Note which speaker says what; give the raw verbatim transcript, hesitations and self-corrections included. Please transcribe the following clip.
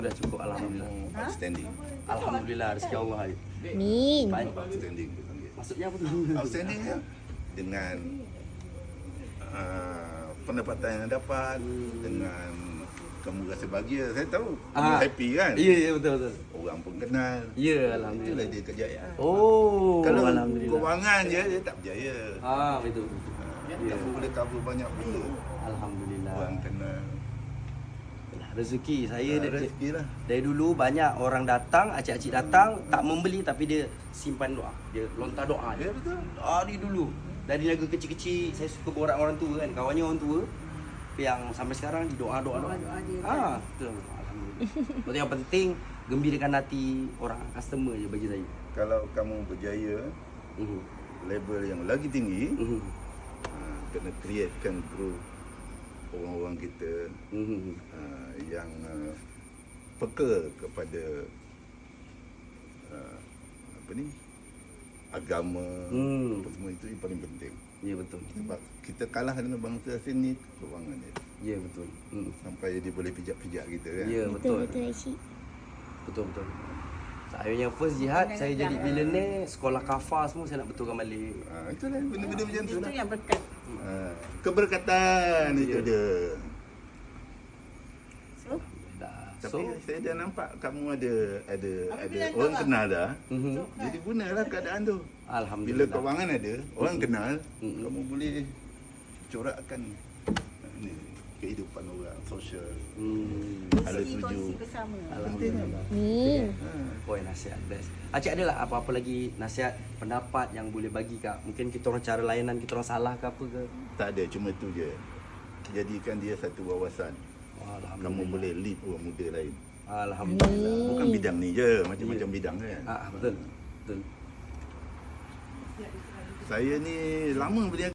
Speaker 1: Dah cukup, alhamdulillah.
Speaker 2: Outstanding.
Speaker 1: Alhamdulillah rezeki Allah.
Speaker 3: Min.
Speaker 1: Baik.
Speaker 2: Outstanding.
Speaker 1: Maksudnya apa tu?
Speaker 2: Outstanding ya. Dengan uh, pendapatan yang dapat, dengan kamu rasa bahagia, saya tahu.
Speaker 1: Ah.
Speaker 2: Kamu happy kan?
Speaker 1: Ya, ya betul betul.
Speaker 2: Orang pun kenal.
Speaker 1: Ya,
Speaker 2: Itulah
Speaker 1: alhamdulillah.
Speaker 2: dia kejayaan.
Speaker 1: Oh,
Speaker 2: Kalau
Speaker 1: alhamdulillah.
Speaker 2: kewangan je, dia tak berjaya.
Speaker 1: Ah, betul.
Speaker 2: Ya.
Speaker 1: Ya.
Speaker 2: Kamu boleh cover banyak benda.
Speaker 1: Alhamdulillah.
Speaker 2: Orang kenal.
Speaker 1: Rezeki saya
Speaker 2: Ah,
Speaker 1: dari,
Speaker 2: rezeki lah.
Speaker 1: dari dulu banyak orang datang, acik-acik datang tak membeli tapi dia simpan doa. Dia lontar doa dia.
Speaker 2: Ya betul.
Speaker 1: Doa dia dulu. Dari lagu kecil-kecil saya suka borak orang tua kan. Kawannya orang tua yang sampai sekarang di doa-doa doa.
Speaker 4: Doa-doa dia
Speaker 1: Ah, betul. Alhamdulillah. Betul, yang penting gembirakan hati orang customer je bagi saya.
Speaker 2: Kalau kamu berjaya,
Speaker 1: Mhm.
Speaker 2: level yang lagi tinggi,
Speaker 1: Mhm.
Speaker 2: uh, kena createkan group orang-orang kita
Speaker 1: Mhm.
Speaker 2: uh, yang uh, peka kepada uh, apa ni, agama,
Speaker 1: Hmm.
Speaker 2: apa semua itu yang paling penting.
Speaker 1: Ya betul.
Speaker 2: Sebab kita kalah dengan bangsa asing ni kewangan dia.
Speaker 1: Ya betul. Mhm.
Speaker 2: Sampai dia boleh pijak-pijak kita kan.
Speaker 1: Ya
Speaker 3: Betul
Speaker 1: betul.
Speaker 3: betul Aisyik.
Speaker 1: Betul betul. Saya yang first jihad, saya jadi billionaire, sekolah kafar semua saya nak betulkan balik.
Speaker 2: Uh, itulah benda-benda macam tu
Speaker 4: Itu
Speaker 2: lah.
Speaker 4: yang berkat.
Speaker 2: Uh, keberkatan itu
Speaker 1: Ya.
Speaker 2: dia.
Speaker 4: So,
Speaker 1: Dah.
Speaker 2: Tapi
Speaker 1: So,
Speaker 2: saya dah nampak kamu ada ada
Speaker 4: Apa
Speaker 2: ada
Speaker 4: bilang
Speaker 2: orang
Speaker 4: kau,
Speaker 2: kenal dah.
Speaker 1: mhm.
Speaker 2: Jadi gunalah keadaan tu. Bila
Speaker 1: Alhamdulillah.
Speaker 2: kewangan ada, orang kenal,
Speaker 1: Mm-mm.
Speaker 2: kamu boleh corakkan uh, ni kehidupan orang, sosial.
Speaker 1: Hmm.
Speaker 2: Ada tuju.
Speaker 4: kongsi bersama.
Speaker 1: Alhamdulillah.
Speaker 3: Min.
Speaker 2: Ha.
Speaker 1: Poin nasihat best. Acik ada lah apa-apa lagi nasihat, pendapat yang boleh bagi kak? Mungkin kita orang cara layanan kita orang salah ke apa ke?
Speaker 2: Tak ada, cuma tu je. Jadikan dia satu wawasan.
Speaker 1: Alhamdulillah.
Speaker 2: Kamu boleh lead orang muda lain.
Speaker 1: Alhamdulillah.
Speaker 2: Bukan bidang ni je, macam-macam bidang kan.
Speaker 1: Ah betul. Betul.
Speaker 2: Saya ni lama berniaga.